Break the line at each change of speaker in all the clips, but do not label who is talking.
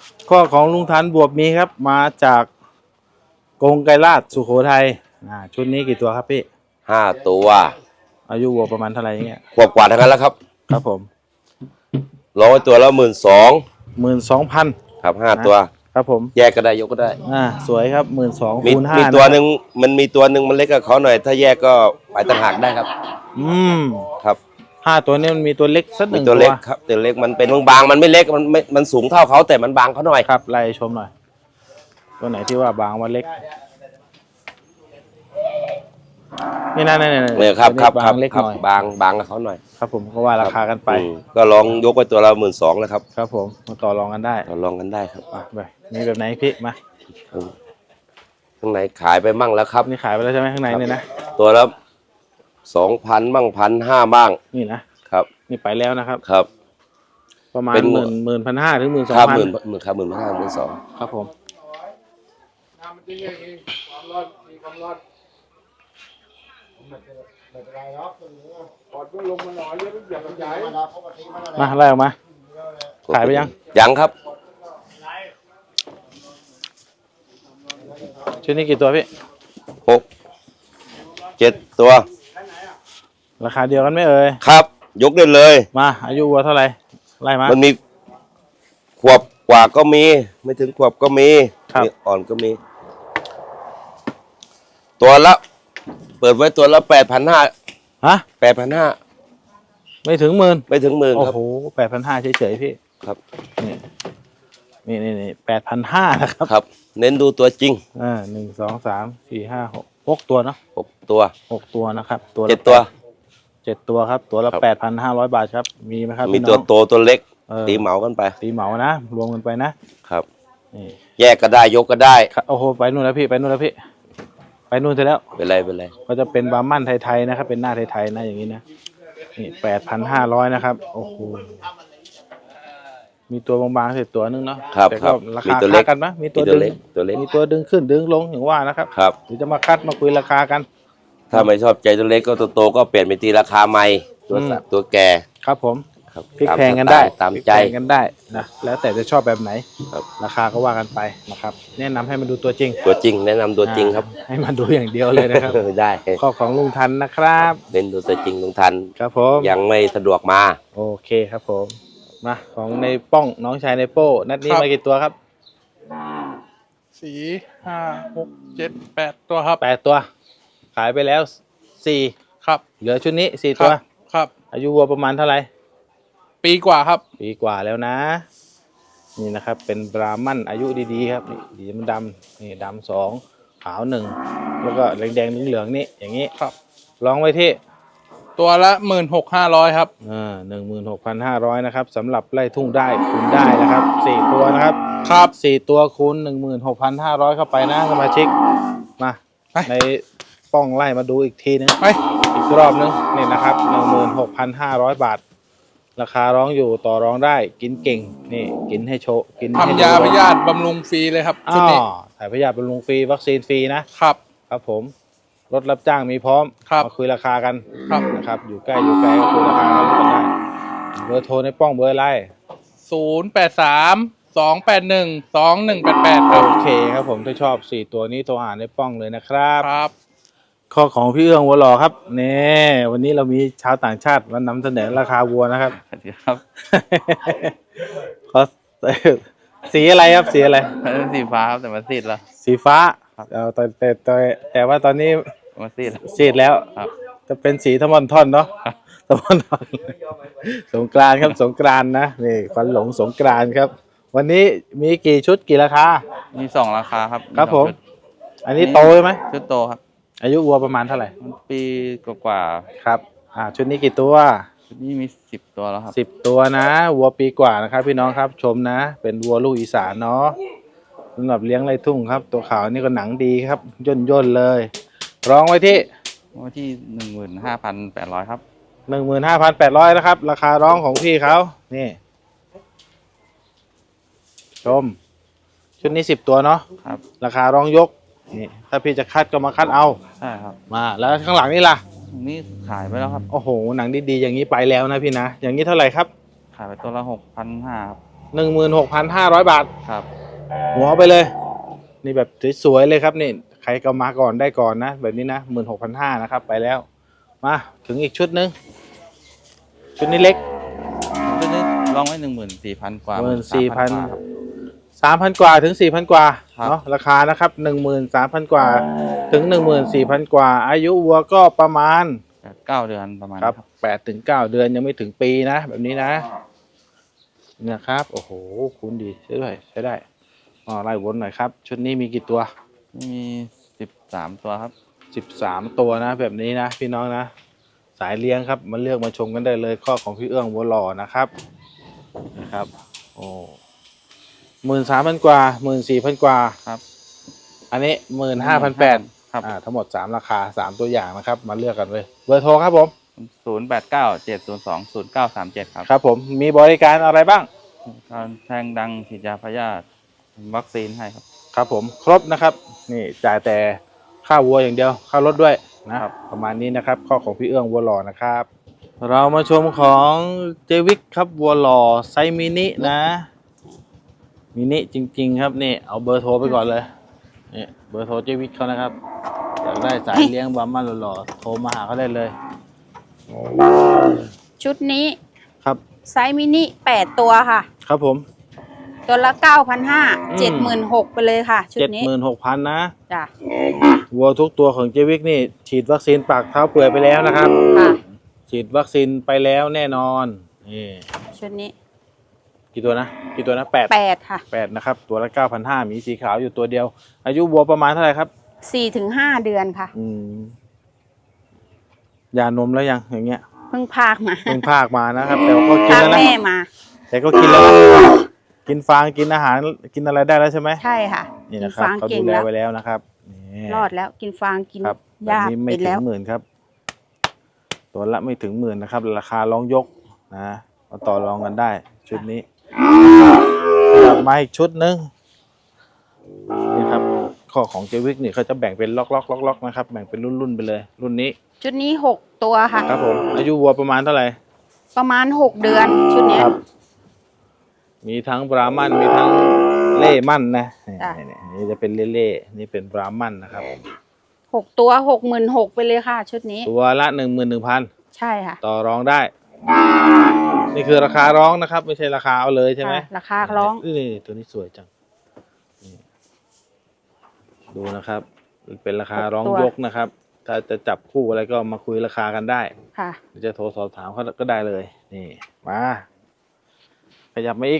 ข้อของลุงทันบวบมีครับมาจากกงไกรลาษสุโขทัยชุดนี้กี่ตัวครับพี่
5 ตัว
อายุวัวประมาณเท่าไหร่เงี้ย
ขวบกว่าทั้งนั้นแล้วครับ
ครับผม
ร้อยตัวแล้ว12,000
12,000
ครับ5 ตัว
ครับผม
แยกก็ได้ยกก็ได้
สวยครับ12,000
มี
คูณ5
มีตัวหนึ่งมีตัวหนึ่งมันเล็กกับเขาหน่อยถ้าแยกก็ไปต่างหากได้ครับครับ
5 ตัวนี้มันมีตัวเล็กสักหนึ่ง
ตัวเล็กครับตัวเล็กมันเป็นบางมันไม่เล็กมันสูงเท่าเขาแต่มันบางเขาหน่อย
ครับไล่ชมหน่อยตัวไหนที่ว่าบางว่าเล็กนี่นะ
เนี่ยครับ
เล็กหน่อย
บางกับเขาหน่อย
ครับผมก็ว่าราคากันไป
ก็ลองยกไปตัวละ12,000แล้วครับ
ครับผมมาต่อรองกันได้
ต่อรองกันได้ครับ
ไปมีแบบไหนพี่มา
ข้างในขายไปมั่งแล้วครับ
นี่ขายไปแล้วใช่ไหมข้างในเนี่ยนะ
ตัวละ2,000บ้าง1,500บ้าง
นี่นะครับนี่ไปแล้วนะครับ
ครับ
ประมาณ10,000 ถึง 12,000
ครับ12,000
ครับผมมาไล่ออกมาขายไป
ยังครับ
ชุดนี้กี่ตัวพี่
6-7 ตัว
ราคาเดียวกันไหมเอ่ย
ครับยกได้เลย
มาอายุวัวเท่าไหร่ไล่มา
มันมีขวบกว่าก็มีไม่ถึงขวบก็มีอ่อนก็มีตัวละเปิดไว้ตัวละ8,5008,500
ไม่ถึงหมื่น
ครับ
โอ้โห8,500เฉยๆพี่
ครับ
นี่8,500นะครับ
ครับเน้นดูตัวจริง
1 2 3 4 5 6ตัวเนาะ6 ตัวนะครับตัวละ
7 ตัว
7 ตัวครับตัวละ8,500 บาทครับมีไหมครับ
มีตัวโตตัวเล็กตีเหมากันไป
ตีเหมานะรวมกันไปนะครับ
นี่แยกก็ได้ยกก็ได้
โอ้โหไปนู่นแล้วพี่ไปนู่นเสร็จแล้ว
เป็นไร
ก็จะเป็นบาร์มั่นไทยๆนะครับเป็นหน้าไทยๆนะอย่างนี้นะนี่8,500นะครับโอ้โหมีตัวบางๆเสร็จตัวนึงเนาะ
แต่ก็
ราคาค่ากันนะมีตัวดึงมีตัวดึงขึ้นดึงลงอย่างว่านะครับหรือจะมาคัดมาคุยราคากัน
ถ้าไม่ชอบใจตัวเล็กก็ตัวโตก็เปลี่ยนเป็นตีราคาใหม่ตัวแก่
ครับผมพลิกแพงกันได้
ตามใจ
กันได้นะแล้วแต่จะชอบแบบไหนราคาก็ว่ากันไปนะครับแนะนำให้มาดูตัวจริง
แนะนำตัวจริงครับ
ให้มาดูอย่างเดียวเลยนะครับ
ได้
ข้อของลุงทันนะครับ
เน้นดูตัวจริงลุงทัน
ครับผม
ยังไม่สะดวกมา
โอเคครับผมมาของในป้องน้องชายในโป้นัดนี้มากี่ตัวครับ
4 5 6 7 8 ตัวครับ
8 ตัวขายไปแล้ว4
ครับ
เหลือชุดนี้4 ตัว
ครับ
อายุวัวประมาณเท่าไหร่
ปีกว่าครับ
ปีกว่าแล้วนะนี่นะครับเป็นบราหมั่นอายุดีๆครับนี่สีมันดำนี่ดำ2ขาว1แล้วก็แดงๆเหลืองๆนี่อย่างนี้
ครับ
ลองไว้ที่
ตัวละ16,500ครับ
16,500นะครับสำหรับไล่ทุ่งได้คูณได้นะครับ4 ตัวนะครับ
ครับ
4 ตัวคูณ16,500เข้าไปนะสมาชิกมาในป้องไล่มาดูอีกทีนึงอีกรอบนึงนี่นะครับ 16,500 บาทราคาร้องอยู่ต่อรองได้กินเก่งนี่กินให้โชว์กิน
ทำยาพยาธิบำรุงฟรีเลยครับชุดนี้
ถ่ายพยาธิบำรุงฟรีวัคซีนฟรีนะครับครับผมรถรับจ้างมีพร้อมมาคุยราคากันนะครับอยู่ใกล้ก็คุยราคากันได้เบอร์โทรในป้องเบอร์อะไร
083-281-2188ครับ
โอเคครับผมถ้าชอบ4 ตัวนี้โทรหาในป้องเลยนะครับข้อของพี่เอื้องวัวหล่อครับนี่วันนี้เรามีชาวต่างชาติมานำเสนอราคาวัวนะครับ
ครับ
สีอะไรครับสีอะไร
สีฟ้าครับแต่มันซีดแล้ว
สีฟ้าแต่ว่าตอนนี้
มัน
ซีดแล้วจะเป็นสีทมอนท่อนเนาะทมอนท่อนสงกรานต์ครับสงกรานต์นะนี่ควันหลงสงกรานต์ครับวันนี้มีกี่ชุดกี่ราคา
มี2 ราคาครับ
ครับผมอันนี้โตใช่ไหม
ชุดโตครับ
อายุวัวประมาณเท่าไหร่
ปีกว่า
ครับชุดนี้กี่ตัว
ชุดนี้มี10 ตัวแล้วครับ
10 ตัวนะวัวปีกว่านะครับพี่น้องครับชมนะเป็นวัวลูกอีสานเนาะสำหรับเลี้ยงไร่ทุ่งครับตัวขาวนี่ก็หนังดีครับย่นเลยร้องไว้ที่
15,800ครับ
15,800นะครับราคาร้องของพี่เขานี่ชมชุดนี้10 ตัวเนาะ
ครับ
ราคาร้องยกนี่ถ้าพี่จะคัดก็มาคัดเอา
ใช่ครับ
มาแล้วข้างหลังนี่ล่ะ
นี่ขายไปแล้วครับ
โอ้โหหนังดีๆอย่างนี้ไปแล้วนะพี่นะอย่างนี้เท่าไหร่ครับ
ขายไปตัวละ6,500ครับ
16,500 บาท
ครับ
หัวไปเลย นี่แบบสวยๆเลยครับนี่ใครก็มาก่อนได้ก่อนนะ แบบนี้นะ16,500นะครับไปแล้ว มาถึงอีกชุดหนึ่งชุดนี้เล็ก
ชุดนี้ลองไว้14,000 กว่า
14,000
ครับ
3,000 กว่าถึง 4,000 กว่า
ครับ
เนาะราคานะครับ 13,000 กว่าถึง 14,000 กว่า อายุวัวก็ประมาณ
8-9 เดือนประมาณ
ครับ
นี้ครับ
8 ถึง 9 เดือนยังไม่ถึงปีนะ แบบนี้นะนะครับโอ้โหคุณดีใช่ด้วยใช้ได้ไล่วนหน่อยครับ ชุดนี้มีกี่ตัว
มี13 ตัวครับ
13 ตัวนะ แบบนี้นะพี่น้องนะ สายเลี้ยงครับมาเลือกมาชมกันได้เลยข้อของพี่เอื้องวัวหล่อนะครับนะครับโอ้13,000 กว่า 14,000 กว่า
ครับ
อันนี้ 15,800
ครับ
ทั้งหมด3ราคา3ตัวอย่างนะครับมาเลือกกันเลยเบอร์โทรครับผม
0897020937 ครับ
ครับผมมีบริการอะไรบ้าง
การแทงดังฉีดยาพยาธิวัคซีนให้ครับ
ครับผมครบนะครับนี่จ่ายแต่ค่าวัวอย่างเดียวค่ารถด้วยนะครับ ประมาณนี้นะครับข้อของพี่เอื้องวัวหล่อนะครับ เรามาชมของเจวิกครับวัวหล่อไซส์มินินะมินิจริงๆครับนี่เอาเบอร์โทรไปก่อนเลยนี่เบอร์โทรเจวิกเขานะครับอยากได้สายเลี้ยงบาร์มันหล่อๆโทรมาหาเขาได้เลย
ชุดนี้
ครับ
ไซส์มินิ8 ตัวค่ะ
ครับผม
ตัวละ 9,500 76,000ไปเลยค่ะ ชุดนี้
76,000นะ
จ้ะ
วัวทุกตัวของเจวิกนี่ฉีดวัคซีนปากเท้าเปื่อยไปแล้วนะครับ
ค่ะ
ฉีดวัคซีนไปแล้วแน่นอนนี่
ชุดนี้
กี่ตัวนะ8
8 ค่ะ
8นะครับตัวละ 9,500มีสีขาวอยู่ตัวเดียว อายุวัวประมาณเท่าไหร่ครับ
4 ถึง 5 เดือนค่ะ
ยานมแล้วยังอย่างเงี้ย
เพิ่งพากมา
เพิ่งพากมานะครับแต่ก็กิน
พาก
แล้วนะ
แม่มา
แต่ก็กินแล้วนะกินฟางกินอาหารกินอะไรได้แล้วใช่ไหม
ใช่ค่ะ
นี่
กิ
นะ
น
ครับ
ฟาง
เขา
เก่
ดู
ง
แล
แล้ว
ไว้แล้วนะครับนี่
รอดแล้วกินฟางกิน
ครับแบบ
หญ้า
นี้ไม่
เป็น
ถึ
แล้
ง
ว
หมื่นครับตัวละไม่ถึงหมื่นนะครับราคาลองยกนะมาต่อรองกันได้ ชุดนี้กลับมาอีกชุดหนึงนี่ครับข้อของเจวิกนี่เขาจะแบ่งเป็นล็อกๆนะครับแบ่งเป็นรุ่นๆไปเลย รุ่นนี้
ชุดนี้ 6 ตัวค่ะ
ครับผมอายุวัวประมาณเท่าไหร่
ประมาณ 6 เดือน ชุดเนี้ย
ครับ มีทั้งบราหมันมีทั้งเล่มั่นนะนี่
จ้ะ
นี่จะเป็นเล่ๆนี่เป็นบราหมันนะครับ
6 ตัว 66,000ไปเลยค่ะ ชุดนี้
ตัวละ11,000
ใช่ค่ะ
ต่อรองได้ นี่คือราคาร้องนะครับ ไม่ใช่ราคาเอาเลยใช่ไหม
ค่ะราคาร้อง
นี่ตัวนี้สวยจังนี่ดูนะครับ เป็นราคาร้องยกนะครับ ถ้าจะจับคู่อะไรก็มาคุยราคากันได้
ค่ะ
หรือจะโทรสอบถามเขาก็ได้เลย นี่มาขยับมาอีก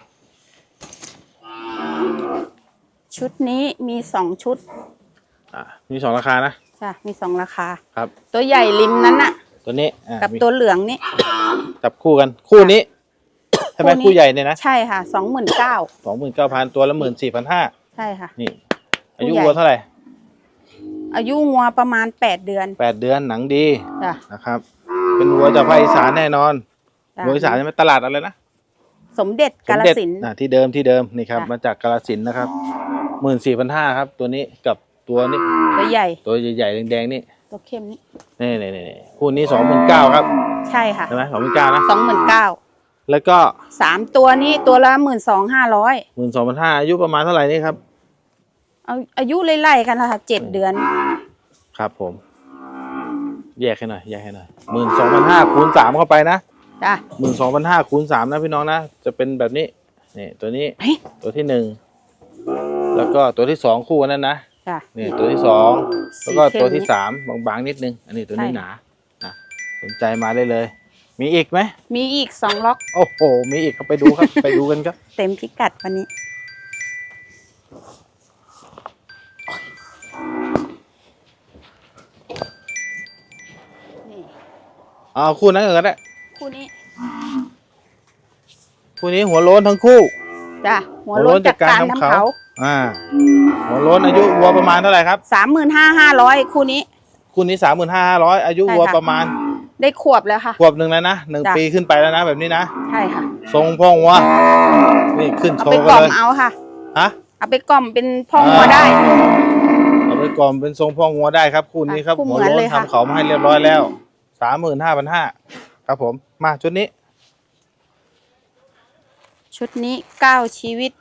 ชุดนี้มี 2 ชุด
มี2ราคานะ
จ้ะมี 2 ราคา
ครับ
ตัวใหญ่ริมนั้นน่ะ
ตัวนี้
กับ
มี
ตัวเหลืองนี่
จับคู่กันคู่นี้ใช่ไหม
คู่นี้
คู่ใหญ่เนี่ยนะ
ใช่ค่ะ 29,000
29,000ตัวละ14,500
ใช่ค่ะ
นี่ อายุ
คู่ใหญ่
วัวเท่าไหร่
อายุงัวประมาณ 8 เดือน
8 เดือนหนังดี
จ้ะ
นะครับ เป็นวัวจากภาคอีสานแน่นอน
จ้ะ
วัวอีสานใช่ไหมตลาดอะไรนะ
สมเด็จกาฬ
สมเด็จ
สินธุ์
ที่เดิมนี่ครับ
จ้ะ
มาจากกาฬสินธุ์นะครับ14,500ครับ ตัวนี้กับตัวนี้
ตัวใหญ่
ตัวใหญ่ๆแดงๆนี่
ตัวเข้มนี่
นี่คู่นี้29,000ครับ
ใช่ค่ะ
ใช่ไหม29,000นะ
29,000
แล้วก็
3 ตัวนี้ตัวละ 12,500
12,500อายุประมาณเท่าไหร่นี่ครับ
เอาอายุไล่ๆกันนะคะ7 เดือน
ครับผม แยกให้หน่อย12,500คูณ3เข้าไปนะ
จ้ะ
12,500คูณ3นะพี่น้องนะจะเป็นแบบนี้นี่ตัวนี้
เฮ้ย
ตัวที่1แล้วก็ตัวที่2คู่กันนั้นนะ
จ้ะ
นี่ตัวที่2แล้วก็
สีเข้ม
ตัวที่3บางๆนิดนึงอันนี้ตัวนี้
ใช่
หนานะสนใจมาได้เลย มีอีกไหม
มีอีก 2 ล็อก
โอ้โหมีอีกครับไปดูครับ ไปดูกันครับ
เต็มพิกัดวันนี้ นี่
เอาคู่นั้นก่อนก็ได้
คู่นี้
คู่นี้หัวโล้นทั้งคู่
จ้ะ หัวโล้นจากการทำเขา
หัวโล้นอายุวัวประมาณเท่าไหร่ครับ
35,500 คู่นี้
คู่นี้35,500อายุวัว
ใช่ค่ะ
ประมาณ
ได้ขวบแล้วค่ะ
ขวบหนึ่งแล้วนะ1
จ้ะ
ปีขึ้นไปแล้วนะแบบนี้นะ
ใช่ค่ะ
ทรงพ่อวัวนี่ขึ้น
เอา
โช
ไป
ว์
ก
กั
ล่
น
อม
เลย
เอาค่ะ
ฮะ
เอาไปกล่อมเป็นพ่องัวได้
เอาไปกล่อมเป็นทรงพ่องัวได้ครับคู่นี้ครับ
คู่เหมื
หัว
อน
โล้
เล
น
ยค่ะ
ทำเขามาให้เรียบร้อยแล้ว35,500ครับผมมาชุดนี้
ชุชุดนี้เก้าชีวิต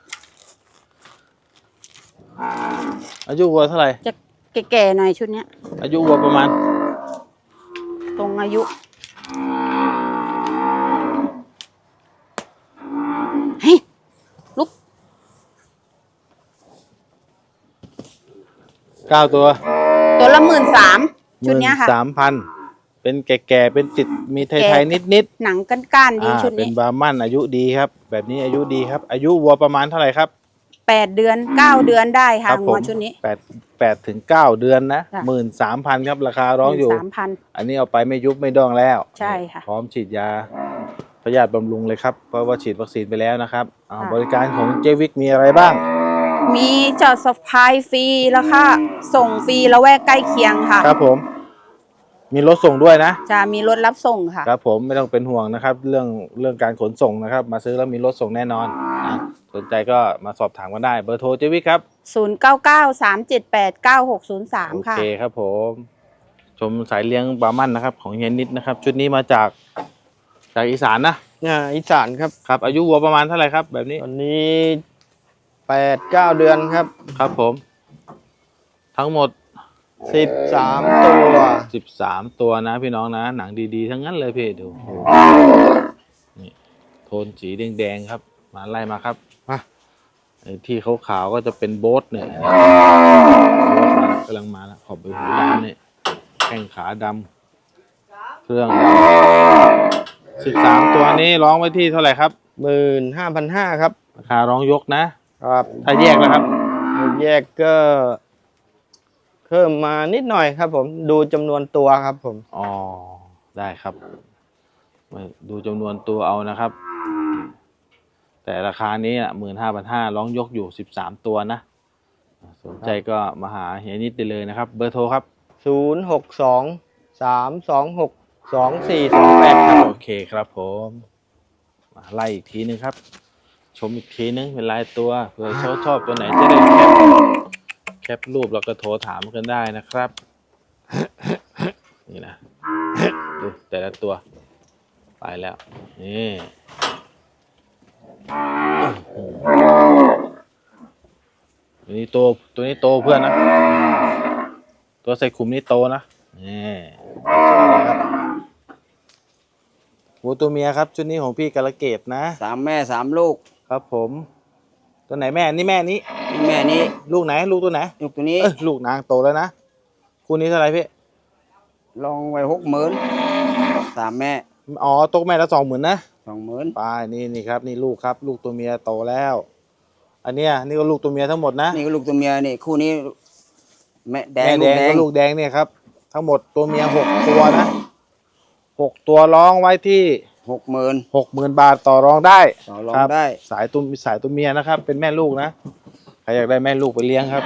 อายุวัวเท่าไหร่
จะแก่ๆหน่อยชุดเนี้ย
อายุวัวประมาณ
ตรงอายุ เฮ้ย ลุก
9 ตัว
ตัวละ13,000ชุดเนี้ยค่ะ
13,000เป็นแก่ๆเป็นติดมีไทยๆนิด
หนังก้านๆ
ๆ
ดีชุด
เป็น
นี้
บาร์มันอายุดีครับ แบบนี้อายุดีครับ อายุวัวประมาณเท่าไหร่ครับ
8 เดือน 9 เดือนได้ค่ะ
ผ
หัว
ม
ชุดนี้
8 ถึง 9 เดือนนะ
จ้ะ
13,000ครับราคาร้องอยู่
13,000
อันนี้เอาไปไม่ยุบไม่ดองแล้ว
ใช่ค่ะ
พร้อมฉีดยาพยาธิบำรุงเลยครับ เพราะว่าฉีดวัคซีนไปแล้วนะครับ
ค่ะ
บริการของเจวิกมีอะไรบ้าง
มีจอดสะพายฟรีแล้วค่ะ ส่งฟรีละแวกใกล้เคียงค่ะ
ครับผม มีรถส่งด้วยนะ
จะมีรถรับส่งค่ะ
ครับผมไม่ต้องเป็นห่วงนะครับ เรื่องการขนส่งนะครับ มาซื้อแล้วมีรถส่งแน่นอนนะสนใจก็มาสอบถามกันได้เบอร์โทรเจวิกครับ โอ
0993789603 ค่ะ
เคครับผม ชมสายเลี้ยงบาร์มันนะครับ ของเฮียนิดนะครับ ชุดนี้มาจากอีสานนะ
อีสานครับ
ครับ อายุวัวประมาณเท่าไหร่ครับ แบบนี้
ตอนนี้8-9 เดือนครับ
ครับผม ทั้งหมด
13 ตัว
13 ตัวนะพี่น้องนะ หนังดีๆ ทั้งนั้นเลยพี่ดูนี่โทนสีแดงๆครับ มาไล่มาครับไอ้ที่ขาวๆก็จะเป็นโบ๊ทเนี่ยโบ๊ทกำลังมาแล้วขอบใบหูดำเนี่ยแข้งขาดำเครื่อง13 ตัวนี้ร้องไว้ที่เท่าไหร่ครับ
15,500 ครับ
ราคาร้องยกนะ ถ้าแยกแล้วครับ
แยกก็เพิ่มมานิดหน่อยครับผมดูจำนวนตัวครับผม
อ๋อ ได้ครับมาดูจำนวนตัวเอานะครับ แต่ราคานี้15,500ร้องยกอยู่13 ตัวนะ สนใจก็มาหาเฮียนิดได้เลยนะครับ เบอร์โทรครับ
062-326-2428 ครับ
โอเคครับผม มาไล่อีกทีนึงครับ ชมอีกทีนึงเป็นลายตัวเผื่อชอบตัวไหนจะได้แคปรูปแล้วก็โทรถามกันได้นะครับ นี่นะดูแต่ละตัว ไปแล้ว นี่ตัวนี้โตเพื่อนนะ ตัวใส่ขุมนี่โตนะนี่ครับวัวตัวเมียครับชุดนี้ของพี่กาลเกตนะ
3 แม่ 3 ลูก
ครับผม ตัวไหนแม่นี่แม่นี้
แม่นี้
ลูกไหนลูกตัวไหน
ลูกตัวนี้
ลูกนางโตแล้วนะคู่นี้เท่าไหร่พี่
ลองไว้60,000 3 แม่
อ๋อตกแม่ละ20,000นะ
20,000
ไปนี่ครับนี่ลูกครับ ลูกตัวเมียโตแล้ว อันเนี้ยนี่ก็ลูกตัวเมียทั้งหมดนะ
นี่ก็ลูกตัวเมียนี่คู่นี้แม่แดง
แม่
ลู
แด
ก
ง
แด
กับ
ง
ลูกแดงเนี่ยครับ ทั้งหมดตัวเมีย6 ตัวนะ6 ตัวร้องไว้ที่
60,000
60,000 บาทต่อรองได้
ต่อรอง
ครับ
ได้
สายตัวเมียนะครับ เป็นแม่ลูกนะใครอยากได้แม่ลูกไปเลี้ยงครับ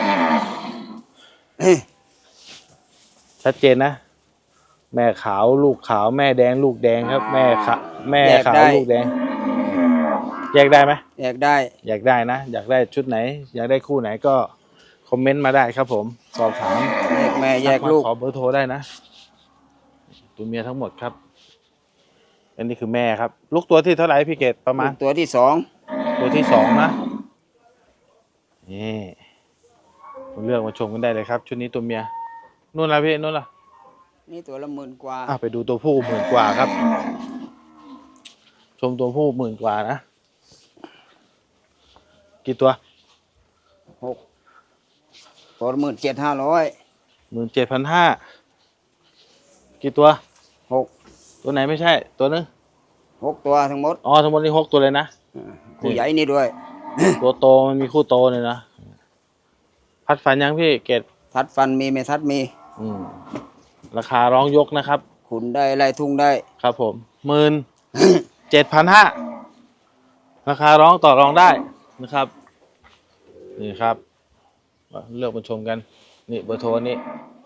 ชัดเจนนะ แม่ขาวลูกขาวแม่แดงลูกแดงครับ แม่ขาวลูกแดง แยกได้ไหม
แยกได้
อยากได้นะ อยากได้ชุดไหน อยากได้คู่ไหนก็คอมเมนต์มาได้ครับผม สอบถาม
แยกแม่แยกลูก
ขอเบอร์โทรได้นะ ตัวเมียทั้งหมดครับ อันนี้คือแม่ครับ ลูกตัวที่เท่าไหร่พี่เกดประมาณ
ลูกตัวที่
ตัวที่2นะนี่เลือกมาชมกันได้เลยครับ ชุดนี้ตัวเมียนู่นละพี่นู่นละ
2นี่ตัวละ10,000 กว่า
ไปดูตัวผู้10,000 กว่าครับ ชมตัวผู้10,000 กว่านะกี่ตัว
6ตัวละ17,500
17,500กี่ตัว
6
ตัวไหนไม่ใช่ตัวนึง
6 ตัวทั้งหมด
อ๋อทั้งหมดนี่6 ตัวเลยนะ
คู่ใหญ่นี่ด้วย
ตัวโตมันมีคู่โตเลยนะพัดฝันยังพี่เกด
ทัดฟันมีไม่ทัดมี
ราคาร้องยกนะครับ
ขุนได้ไล่ทุ่งได้
ครับผม17,500ราคาร้องต่อรองได้นะครับนี่ครับเลือกมาชมกันนี่เบอร์โทรนี่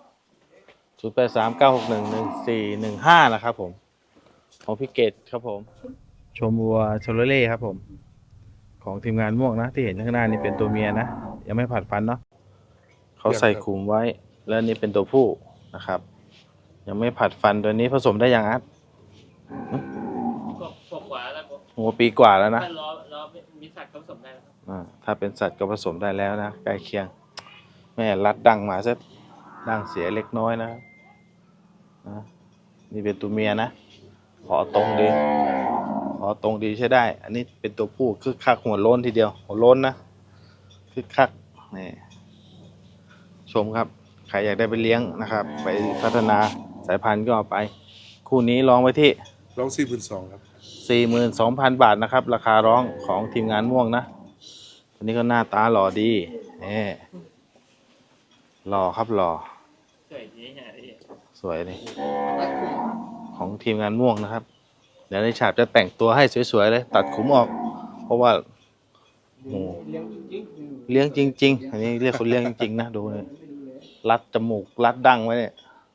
0839611415นะครับผมของพี่เกดครับผม ชมวัวชลเล่ครับผมของทีมงานม่วงนะที่เห็นข้างหน้านี่เป็นตัวเมียนะยังไม่ผัดฟันเนาะเขาใส่ขุมไว้แล้วนี่เป็นตัวผู้นะครับ ยังไม่ผัดฟันตัวนี้ผสมได้ยังครับหัวปีกว่าแล้วนะ
ถ้าล้อมีสัตว์ก็ผสมได้แล้วครับ
ถ้าเป็นสัตว์ก็ผสมได้แล้วนะใกล้เคียงแม่รัดดังมาซะดังเสียเล็กน้อยนะครับนะนี่เป็นตัวเมียนะขอตรงดีใช่ได้ อันนี้เป็นตัวผู้คึกคักหัวโล้นทีเดียวหัวโล้นนะคึกคักนี่ชมครับใครอยากได้ไปเลี้ยงนะครับ ไปพัฒนาสายพันธุ์ก็เอาไป คู่นี้ลองไว้ที่
ร้อง42,000ครับ
42,000 บาทนะครับ ราคาร้องของทีมงานม่วงนะตัวนี้ก็หน้าตาหล่อดีนี่หล่อครับหล่อ
สวยดีฮะพี่
สวยเลยของทีมงานม่วงนะครับ เดี๋ยวในฉาบจะแต่งตัวให้สวยๆเลย ตัดขุมออก เพราะว่าโอ้เลี้ยงจริงๆอันนี้เรียกคนเลี้ยงจริงๆนะดูเนี่ยรัดจมูกรัดดั้งไว้เนี่ย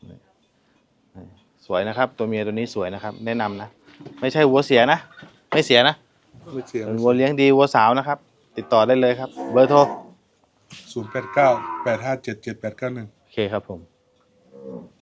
สวยนะครับ ตัวเมียตัวนี้สวยนะครับ แนะนำนะ ไม่ใช่วัวเสียนะ ไม่เสียนะ
ไม่เสีย
เป็นวัวเลี้ยงดีวัวสาวนะครับ ติดต่อได้เลยครับ เบอร์โทร
089 857 7891
โอเคครับผม